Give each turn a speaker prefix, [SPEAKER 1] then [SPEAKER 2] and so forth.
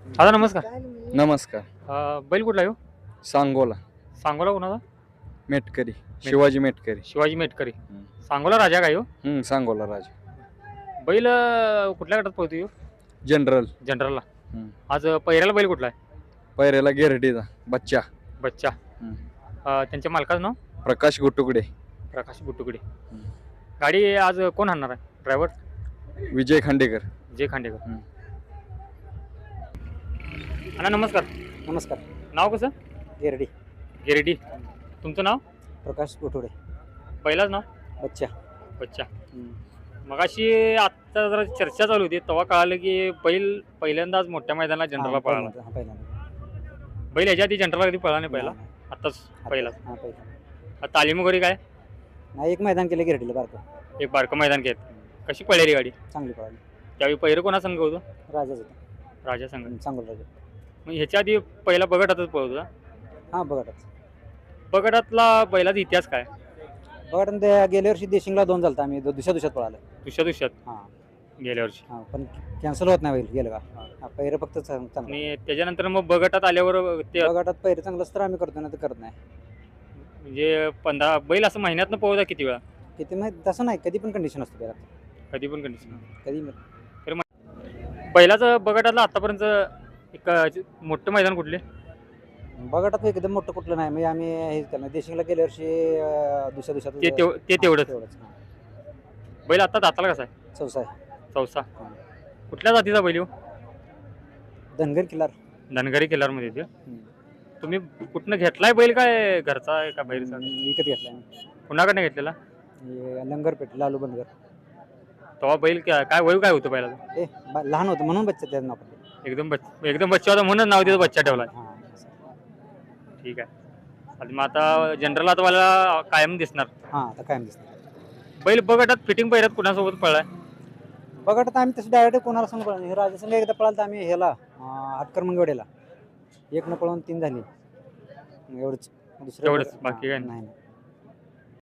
[SPEAKER 1] दादा नमस्कार.
[SPEAKER 2] नमस्कार.
[SPEAKER 1] बैल कुठला आहे हो?
[SPEAKER 2] सांगोला
[SPEAKER 1] सांगोला कोणाचा?
[SPEAKER 2] मेटकरी शिवाजी मेटकरी.
[SPEAKER 1] शिवाजी मेटकरी. सांगोला राजा काय हो?
[SPEAKER 2] सांगोला राज
[SPEAKER 1] बैल कुठल्या गटात पळतो हो?
[SPEAKER 2] जनरल.
[SPEAKER 1] जनरलला.
[SPEAKER 2] हम्म.
[SPEAKER 1] आज पहिऱ्याला बैल कुठला आहे?
[SPEAKER 2] पैरेला गिरडीचा बच्चा
[SPEAKER 1] बच्चा. त्यांच्या मालकाचं नाव?
[SPEAKER 2] प्रकाश गुटुकडे.
[SPEAKER 1] प्रकाश बुटुकडे. गाडी आज कोण आणणार आहे? ड्रायव्हर?
[SPEAKER 2] विजय खांडेकर.
[SPEAKER 1] जे खांडेकर. अण्णा नमस्कार.
[SPEAKER 3] नमस्कार.
[SPEAKER 1] नाव कसं?
[SPEAKER 3] गिरडी.
[SPEAKER 1] गिरडी. तुमचं नाव?
[SPEAKER 3] प्रकाश गोठोडे.
[SPEAKER 1] पहिलाच नाव?
[SPEAKER 3] बच्चा.
[SPEAKER 1] बच्चा. मगाशी आत्ता जरा चर्चा चालू होती तेव्हा कळालं की बैल पहिल्यांदाच मोठ्या मैदानाला जनरलला पळाला. बैल ह्याच्या आधी जनरलला कधी पळाला नाही पहिला? आत्ताच पहिला. तालीम वगैरे काय?
[SPEAKER 3] नाही, एक मैदान केलं गिरडीला बारकं.
[SPEAKER 1] एक बारकं मैदान घेत. कशी पळाली गाडी?
[SPEAKER 3] चांगली पळाली.
[SPEAKER 1] त्यावेळी पहिरं कोणा संघ होतं?
[SPEAKER 3] राजाच होता.
[SPEAKER 1] राजा संघ.
[SPEAKER 3] चांगलं राजा.
[SPEAKER 1] मग ह्याच्या आधी पहिला बगटातच पळत होता?
[SPEAKER 3] हां, बघाटाच.
[SPEAKER 1] बगटातला बैलाचा इतिहास काय?
[SPEAKER 3] बघाट ते गेल्या वर्षी देशिंगला 2 झालता, आम्ही दुसऱ्यात पळालं.
[SPEAKER 1] दुसऱ्यात
[SPEAKER 3] हां
[SPEAKER 1] गेल्या वर्षी.
[SPEAKER 3] हां, पण कॅन्सल होत नाही बैल गेलं का. हां, पहिरं फक्त चांगलं.
[SPEAKER 1] आणि त्याच्यानंतर मग बगटात आल्यावर ते
[SPEAKER 3] बघाटात पहिरं चांगलंच तर आम्ही करतो ना, तर करत नाही.
[SPEAKER 1] म्हणजे 15 बैल असं महिन्यातनं पळवता किती वेळा?
[SPEAKER 3] किती माहीत तसं नाही, कधी पण कंडिशन असते बैलात.
[SPEAKER 1] कधी पण कंडिशन.
[SPEAKER 3] कधी
[SPEAKER 1] बैलाचं बगटातलं आतापर्यंत एक मोठं मैदान कुठले?
[SPEAKER 3] बघाटात एकदम मोठं कुठलं नाही. म्हणजे आम्ही हे केलं देशिंगला गेल्या वर्षी दुसऱ्या
[SPEAKER 1] ते तेवढंच.
[SPEAKER 3] हां.
[SPEAKER 1] बैल आता दाताला कसा आहे?
[SPEAKER 3] चौसा आहे.
[SPEAKER 1] चौसा. कुठल्या जातीचा बैल हो?
[SPEAKER 3] धनगर किल्लार.
[SPEAKER 1] धनगरी किल्लारमध्ये ते. तुम्ही कुठनं घेतलाय बैल काय घरचा आहे का बाहेरचा?
[SPEAKER 3] विकत घेतला आम्ही.
[SPEAKER 1] कुणाकडनं घेतलेला?
[SPEAKER 3] लंगरपेठ लालू बनगर.
[SPEAKER 1] तेव्हा बैल काय वय काय होतं बैलाचं?
[SPEAKER 3] लहान होतं म्हणून बच्चा त्याचं नाव पडलं.
[SPEAKER 1] एकदम बच्चा होता म्हणून नाव त्याचं बच्चा ठेवला.
[SPEAKER 3] हां.
[SPEAKER 1] ठीक आहे. आणि मग आता जनरल आता मला कायम दिसणार.
[SPEAKER 3] हां, आता कायम दिसतं.
[SPEAKER 1] बैल बगटात फिटिंग पहिल्यात कुणासोबत पळलाय?
[SPEAKER 3] बघा तर आम्ही तसं डायरेक्ट कोणाला सांगू पळालं. हे राजासंघ एकदा पळालं तर आम्ही ह्याला हटकर मंगवडेला 1 न पळवून 3 झाली. एवढंच. दुसरं
[SPEAKER 1] तेवढंच, बाकी काय
[SPEAKER 3] नाही.